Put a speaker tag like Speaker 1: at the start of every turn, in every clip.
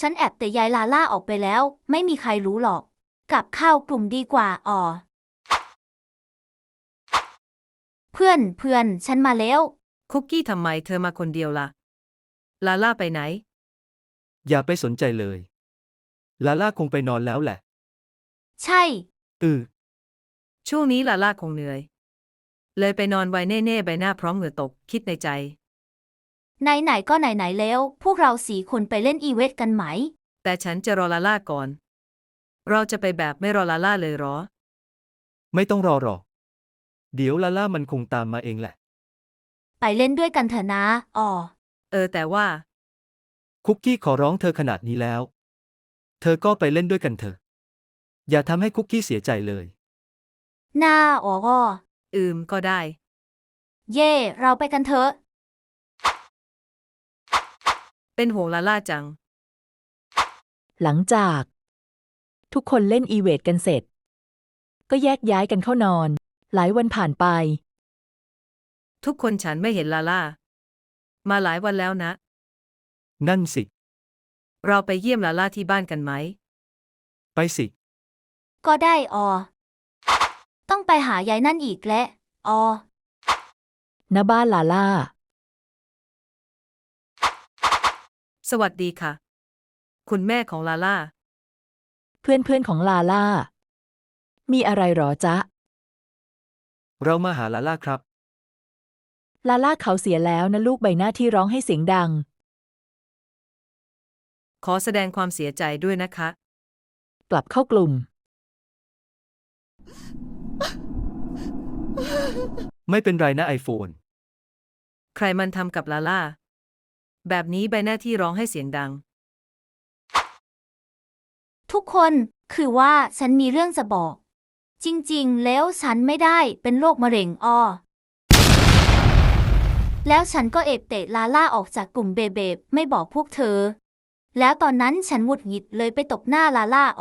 Speaker 1: ฉันแอบแต่ยายลาล่าออกไปแล้วไม่มีใครรู้หรอกกลับเข้ากลุ่มดีกว่าเพื่อนฉันมาแล้ว
Speaker 2: คุกกี้ทำไมเธอมาคนเดียวล่ะ ลาล่าไปไหน
Speaker 3: อย่าไปสนใจเลย ลาล่าคงไปนอนแล้วแหละ
Speaker 1: ใช่
Speaker 3: อือ
Speaker 2: ช่วงนี้ลาล่าคงเหนื่อย เลยไปนอนไวแน่ๆใบหน้าพร้อมเหงื่อตก คิดในใจ
Speaker 1: ไหนก็ไหนแล้วพวกเรา4 คนไปเล่นอีเวนต์กันไหม
Speaker 2: แต่ฉันจะรอลาล่าก่อน เราจะไปแบบไม่รอลาล่าเลยเหรอ
Speaker 3: ไม่ต้องรอหรอก เดี๋ยวลาล่ามันคงตามมาเองแหละ
Speaker 1: ไปเล่นด้วยกันเถอะนะ
Speaker 2: แต่ว่า
Speaker 3: คุกกี้ขอร้องเธอขนาดนี้แล้ว เธอก็ไปเล่นด้วยกันเถอะ อย่าทำให้คุกกี้เสียใจเลย
Speaker 1: หน้า
Speaker 2: ก็ได้
Speaker 1: เย่เราไปกันเถอะ
Speaker 2: เป็นห่วงลาล่าจัง
Speaker 4: หลังจากทุกคนเล่นอีเวทกันเสร็จ ก็แยกย้ายกันเข้านอน หลายวันผ่านไป
Speaker 2: ทุกคนฉันไม่เห็นลาล่า มาหลายวันแล้วนะ
Speaker 3: นั่นสิ
Speaker 2: เราไปเยี่ยมลาล่าที่บ้านกันไหม
Speaker 3: ไปสิ
Speaker 1: ก็ได้ต้องไปหายายนั่นอีกแหละ
Speaker 4: ณบ้านลาล่า
Speaker 2: สวัสดีค่ะ คุณแม่ของลาล่า
Speaker 4: เพื่อนของลาล่า มีอะไรหรอจ๊ะ
Speaker 3: เรามาหาลาล่าครับ
Speaker 4: ลาล่าเขาเสียแล้วนะลูกใบหน้าที่ร้องให้เสียงดัง
Speaker 2: ขอแสดงความเสียใจด้วยนะคะ
Speaker 4: กลับเข้ากลุ่ม
Speaker 3: ไม่เป็นไรนะไอโฟน
Speaker 2: ใครมันทำกับลาล่า แบบนี้ใบหน้าที่ร้องให้เสียงดัง
Speaker 1: ทุกคนคือว่าฉันมีเรื่องจะบอก จริงๆแล้วฉันไม่ได้เป็นโรคมะเร็งแล้วฉันก็เตะลาล่าออกจากกลุ่มเบๆไม่บอกพวกเธอ แล้วตอนนั้นฉันหงุดหงิดเลยไปตบหน้าลาล่า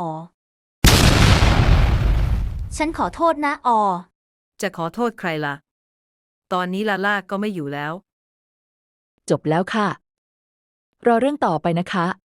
Speaker 1: ฉันขอโทษนะ
Speaker 2: จะขอโทษใครล่ะ ตอนนี้ลาล่าก็ไม่อยู่แล้ว
Speaker 4: จบแล้วค่ะ รอเรื่องต่อไปนะคะ